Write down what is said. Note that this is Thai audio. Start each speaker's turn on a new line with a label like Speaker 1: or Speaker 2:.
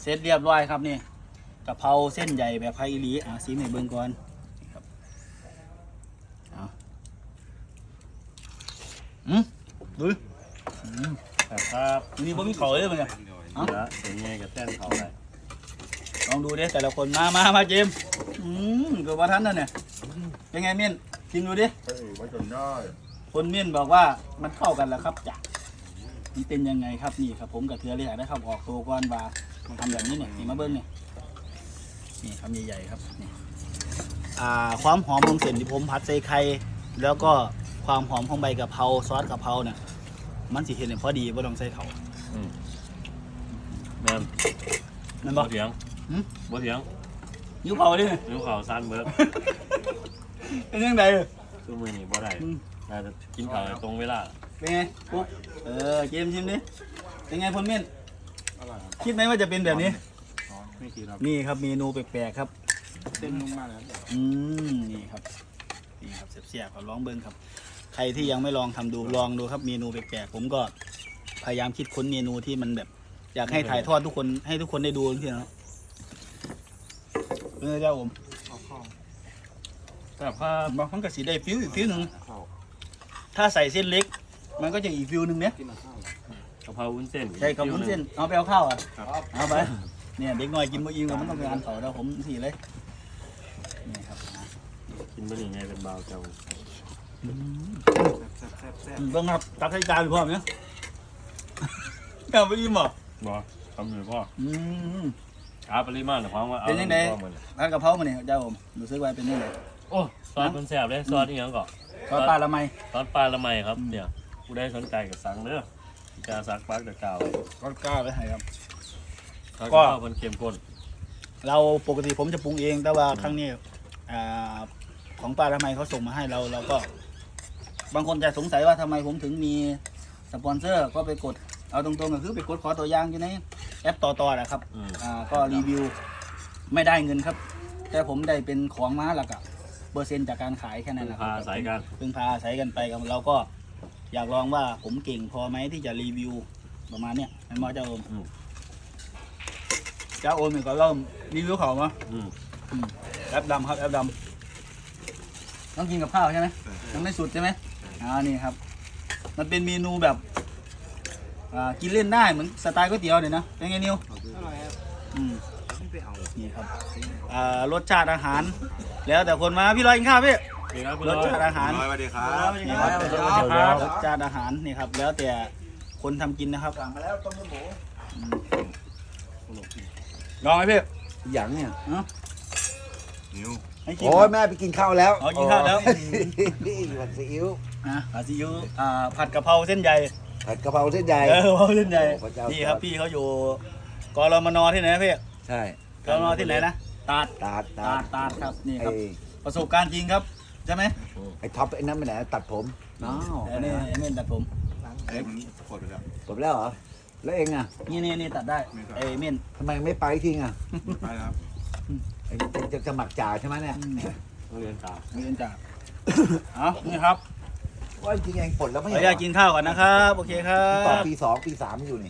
Speaker 1: เสร็จเรียบร้อยครับนี่กะเพราเส้นใหญ่แบบไทยอีหลีซีให้เบิ่งก่อนครับดู
Speaker 2: ครับ
Speaker 1: นี่บ่มีเขาเลยมั้งเนี่ย
Speaker 2: แล้วเสียงไงกับแต้นเขาไป
Speaker 1: ลองดูดิแต่ละคนมาเจมเกือบว่าทันแล้วเนี่ยเป็นไงเมี่ยนกินดูดิ
Speaker 3: ไว้จนได้
Speaker 1: คนเมี่ยนบอกว่ามันเข้ากันแล้วครับจ้ะมันเป็นยังไงครับนี่ครับผมกับเทือเลยได้ครับออกตัวก่อนว่าทำแบบนี้เนี่ยนี่มาเบิ้งเนี่ยนี่คำใหญ่ๆครับนี่ความหอมของเส้นที่ผมผัดใส่ไข่แล้วก็ความหอมของใบกะเพราซอสกะเพราเนี่ยมันสิเห็นเนี่ยพอดีบ่ต้องใส่เข่า
Speaker 2: แม่น
Speaker 1: นั่น
Speaker 2: บ่
Speaker 1: บ่
Speaker 2: เถียงบ่เถียง
Speaker 1: ยิ้วเผาดิ
Speaker 2: นิ้วเขาสั้นเบิด
Speaker 1: เป็นยังไง
Speaker 2: คือมือนี่บ่ได้น่าจะกินข้าวตรงเวลา
Speaker 1: เป็นไงปุ๊บเกมชิมดิเป็นไงพลเมี่ยน
Speaker 3: อร่อยครับ
Speaker 1: คิดไหมว่าจะเป็นแบบนี้
Speaker 3: ไม่คิดครับ
Speaker 1: นี่ครับเมนูแปลกๆครับ
Speaker 3: เส้นนุ่มมากเลยครับ
Speaker 1: นี่ครับเสียบๆครับลองเบิ้งครับ ใครที่ยังไม่ลองทำดูลองดูครับเมนูแปลกๆผมก็พยายามคิดค้นเมนูที่มันแบบ อยากให้ถ่ายทอดทุกคนให้ทุกคนได้ดูที่นะเจ้าผม
Speaker 3: เอาข้าว
Speaker 2: แต่ผ้า
Speaker 1: บางครั้งก็สีได้ฟิวอีกฟิวหนึ่ง
Speaker 3: ข้าว
Speaker 1: ถ้าใส่เส้นเล็ก มันก็จะอีกฟิวหนึ่งเนี่ย
Speaker 3: กินกับข้าว
Speaker 2: กะเพราวุ้นเส้น
Speaker 1: ใช่กับวุ้นเส้นเอาไปเอาข้าวอ่ะ
Speaker 3: ครับ
Speaker 1: เอาไปเนี่ยเด็กน้อยกินบ่อิ่มมันต้องไปอ่านเขาแล้วผมสีเลยนี่ครับ
Speaker 2: กินบ่นี่ไงเป็นเบาเจ้า
Speaker 3: แซ่บแซ่บแซ่บ
Speaker 1: เบิ่งครับตักให้จานไปพร้อมเนี่ยเอาไปอิ่มบ่
Speaker 2: บ่ทำอยู่พ่อ
Speaker 1: อืม
Speaker 2: ปริมาณของว่าเอา
Speaker 1: เป็นยังไง
Speaker 2: พ่อมื้อนี้
Speaker 1: ร้านกะเพรามาเนี่ยเจ้าผมรู้สึกว่าเป็นยังไง
Speaker 2: โอ้ซอสมันแซ่บเลยซอสอีหยังก็
Speaker 1: ซอสปลาละไม
Speaker 2: ซอสปลาละไมครับเนี่ยผู้ใดสนใจก็สั่งเด้อจะซักปักตะกาว
Speaker 1: ก็กล้าไปให้ครับ
Speaker 2: ซอส
Speaker 1: ก็
Speaker 2: กะเพรามันเข้มข้น
Speaker 1: เราปกติผมจะปรุงเองแต่ว่าครั้งนี้ของปลาละไมเขาส่งมาให้เราก็ บางคนจะสงสัยว่าทำไมผมถึงมีสปอนเซอร์ก็ไปกดเอาตรงๆก็คือไปกดขอตัวอย่างอยู่ในแอปต่อๆนะครับ ก็รีวิวไม่ได้เงินครับ แต่ผมได้เป็นของมาแล้วก็เปอร์เซ็นต์จากการขายแค่นั้น
Speaker 2: พึ่ง
Speaker 1: นะครั
Speaker 2: พา
Speaker 1: บ
Speaker 2: สายกัน
Speaker 1: พึ่งพาอาศัยกันไปครับเราก็อยากลองว่าผมเก่งพอไหมที่จะรีวิวประมาณเนี้ยให้มาเจ้าโอมเจ้าโอมเนี่ยก็เริ่มรีวิวเขามาแอปดำครับแอปดำต้องกินกับข้าวใช่ไหมยังไม่สุดใช่ไหมนี่ครับ มันเป็นเมนูแบบกินเล่นได้เหมือนสไตล์ก๋วยเตี๋ยวเนี่ยนะเป็นไงนิว
Speaker 3: อร่อยครับไม่ไปเอา
Speaker 1: นี่ครับรสชาติอาหาร แล้วแต่คนมาพี่ลอยกินข้าวพี่
Speaker 2: นี่ครับคุณ
Speaker 1: ร
Speaker 2: ร้
Speaker 1: ส
Speaker 2: อย
Speaker 1: ชาติอาหาร
Speaker 3: สวัสดีครับ
Speaker 1: นี่ครับ
Speaker 2: สวัสดีครับ
Speaker 1: รสชาติอาหารนี่ครับ แล้วแต่คนทำกินนะครับ
Speaker 3: สั่งมาแล้วต้มเลือดหมู
Speaker 1: ลองไหมพี่
Speaker 4: อย่างเนี่ย
Speaker 3: นิ้ว
Speaker 1: ให้กิน
Speaker 4: โอ้ยแม่ไปกินข้าวแล้ว
Speaker 1: อ๋อกินข้าวแล้ว
Speaker 4: นี่ผัดซีอิ๊ว
Speaker 1: ผัดซีอิ๊วผัดกะเพราเส้นใหญ่
Speaker 4: ผัดกะเพราเส้นใหญ่
Speaker 1: กะเพราเส้นใหญ่
Speaker 4: โอ้พระเจ้า
Speaker 1: นี่ครับพี่เขาอยู่กรมนที่ไหนนะพี่
Speaker 4: ใช่
Speaker 1: กรมนที่ไหนนะตาด
Speaker 4: ตาด
Speaker 1: ตาดครับนี่ค
Speaker 4: ไอ้
Speaker 1: รับประสบการณ์จริงครับใช่ไหม
Speaker 4: ไอ้ท็อปไอ้นั่นไปไหนตัดผมน้าว
Speaker 1: อันนี้ตัดผม
Speaker 3: ไอ้มันกดไปแล้ว
Speaker 4: จบแล้วเหรอแล้วเองอ่ะ
Speaker 1: นี่ตัดได้เม่น
Speaker 4: ทำไมไม่ไปทิ้งอ่ะ
Speaker 3: ไปครับ
Speaker 4: ไอ้จะสมัครจ่าใช่ไหมเนี่ย
Speaker 2: โรงเรียนตา
Speaker 1: มีเอ็นจ่าเอานี่ครับ
Speaker 4: ว่าจริงเองปลดแล้วไม่
Speaker 1: ขออ
Speaker 4: ใช่
Speaker 1: นุญาตกินข้าวก่อนนะครับ โอเคครั
Speaker 4: ต่อบ ปี 2 ปี 3อยู่นี่